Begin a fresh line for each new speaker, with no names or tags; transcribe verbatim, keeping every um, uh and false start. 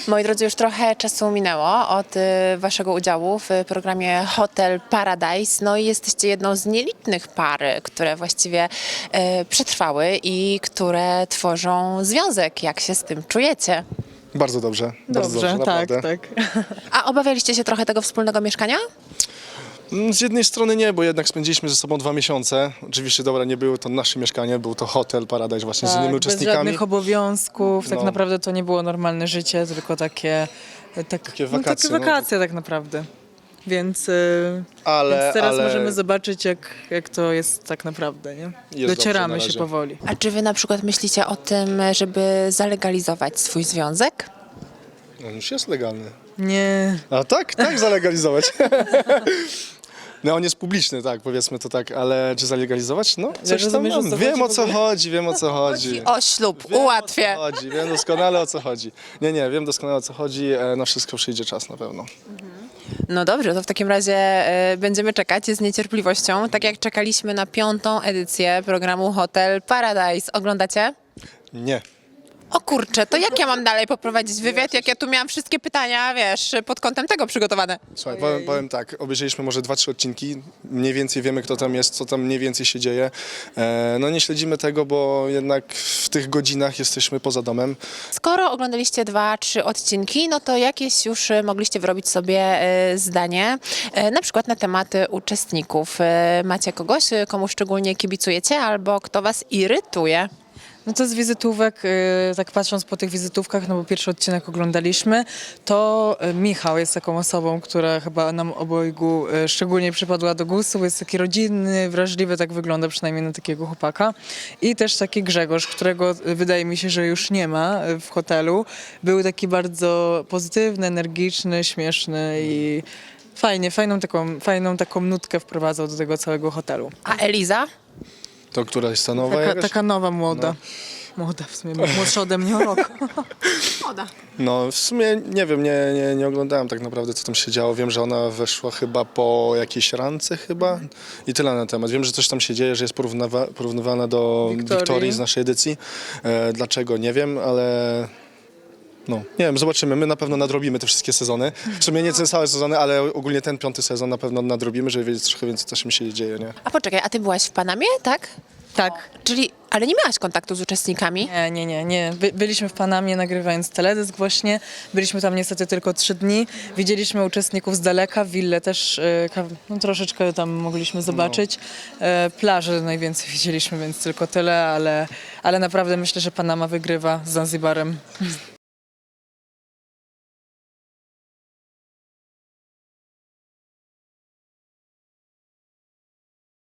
Moi drodzy, już trochę czasu minęło od y, waszego udziału w programie Hotel Paradise. No i jesteście jedną z nielicznych par, które właściwie y, przetrwały i które tworzą związek. Jak się z tym czujecie?
Bardzo dobrze, bardzo dobrze,
tak,
naprawdę.
tak.
A obawialiście się trochę tego wspólnego mieszkania?
Mm, Z jednej strony nie, bo jednak spędziliśmy ze sobą dwa miesiące. Oczywiście, dobra, nie było to nasze mieszkanie, był to Hotel Paradise właśnie z innymi
Tak, bez
uczestnikami.
żadnych obowiązków, tak
No.
naprawdę to nie było normalne życie, tylko takie, tak,
Takie
no,
wakacje,
takie
no.
wakacje tak naprawdę. Więc, y,
Ale,
więc teraz
ale
możemy zobaczyć, jak, jak to jest tak naprawdę, nie?
dobrze
Docieramy
na
się
razie.
powoli.
A czy wy na przykład myślicie o tym, żeby zalegalizować swój związek?
on już jest legalny.
Nie,
A tak, tak, zalegalizować. No on jest publiczny, tak, powiedzmy to tak, ale czy zalegalizować? No, coś tam
rozumiesz, o
mam.
co
Wiem
chodzi
o
w
co
ogóle?
chodzi, wiem o co chodzi.
O ślub,
Wiem,
ułatwię.
O co chodzi, wiem doskonale o co chodzi. Nie, nie, wiem doskonale o co chodzi, e, na wszystko przyjdzie czas na pewno.
No dobrze, to w takim razie e, będziemy czekać z niecierpliwością, tak jak czekaliśmy na piątą edycję programu Hotel Paradise. Oglądacie?
Nie.
O kurczę, to jak ja mam dalej poprowadzić wywiad, jak ja tu miałam wszystkie pytania, wiesz, pod kątem tego przygotowane?
Słuchaj, powiem, powiem tak, obejrzeliśmy może dwa, trzy odcinki, mniej więcej wiemy kto tam jest, co tam mniej więcej się dzieje. E, no nie śledzimy tego, bo jednak w tych godzinach jesteśmy poza domem.
Skoro oglądaliście dwa, trzy odcinki, no to jakieś już e, mogliście wyrobić sobie e, zdanie, e, na przykład na tematy uczestników. E, Macie kogoś, e, komu szczególnie kibicujecie, albo kto was irytuje?
no to z wizytówek, y, tak patrząc po tych wizytówkach, no bo pierwszy odcinek oglądaliśmy, to y, Michał jest taką osobą, która chyba nam obojgu y, szczególnie przypadła do gustu, bo jest taki rodzinny, wrażliwy, tak wygląda przynajmniej na takiego chłopaka. I też taki Grzegorz, którego y, wydaje mi się, że już nie ma y, w hotelu. Był taki bardzo pozytywny, energiczny, śmieszny i fajnie, fajną taką, fajną taką nutkę wprowadzał do tego całego hotelu.
A Eliza?
To która jest ta nowa
Taka,
jakaś?
taka nowa, młoda. Młoda w sumie, młodsza ode mnie o rok.
Moda.
No w sumie nie wiem, nie, nie, nie oglądałem tak naprawdę co tam się działo. Wiem, że ona weszła chyba po jakiejś rance chyba i tyle na temat. Wiem, że coś tam się dzieje, że jest porównywa, porównywana do
Wiktorii.
Wiktorii z naszej edycji. E, dlaczego? Nie wiem, ale no nie wiem, zobaczymy. My na pewno nadrobimy te wszystkie sezony. W sumie nie te całe sezony, ale ogólnie ten piąty sezon na pewno nadrobimy, żeby wiedzieć trochę więcej co się dzieje, nie?
A poczekaj, a ty byłaś w Panamie, tak?
Tak.
Czyli, ale nie miałaś kontaktu z uczestnikami?
Nie, nie, nie, nie. By, byliśmy w Panamie nagrywając teledysk właśnie. Byliśmy tam niestety tylko trzy dni. Widzieliśmy uczestników z daleka, willę też e, ka- no, troszeczkę tam mogliśmy zobaczyć. E, plaży najwięcej widzieliśmy, więc tylko tyle, ale, ale naprawdę myślę, że Panama wygrywa z Zanzibarem.